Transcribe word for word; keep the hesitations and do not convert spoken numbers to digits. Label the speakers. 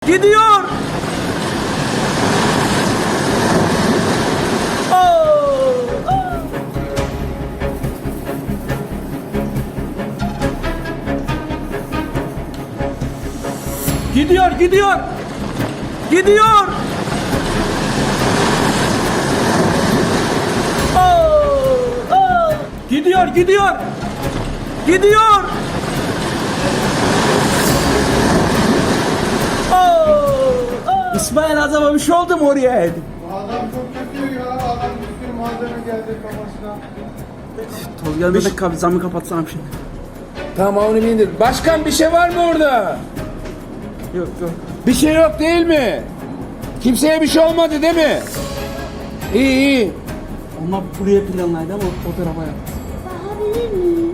Speaker 1: Gidiyor. Oh, oh. Gidiyor, gidiyor. Gidiyor. Oh, oh. Gidiyor, gidiyor. Gidiyor. Oh, oh. İsmail Azam'a bir şey oldu mu oraya?
Speaker 2: Adam çok kötü ya. Adam bir sürü malzeme geldi kafasına.
Speaker 1: Tolga'da da kap zamı kapatsam şimdi.
Speaker 3: Tamam onu indir. Başkan bir şey var mı orada?
Speaker 1: Yok yok.
Speaker 3: Bir şey yok değil mi? Kimseye bir şey olmadı değil mi? İyi iyi.
Speaker 1: Onlar buraya planlaydı ama o tarafa yaptı.
Speaker 4: Bakabilir miyim?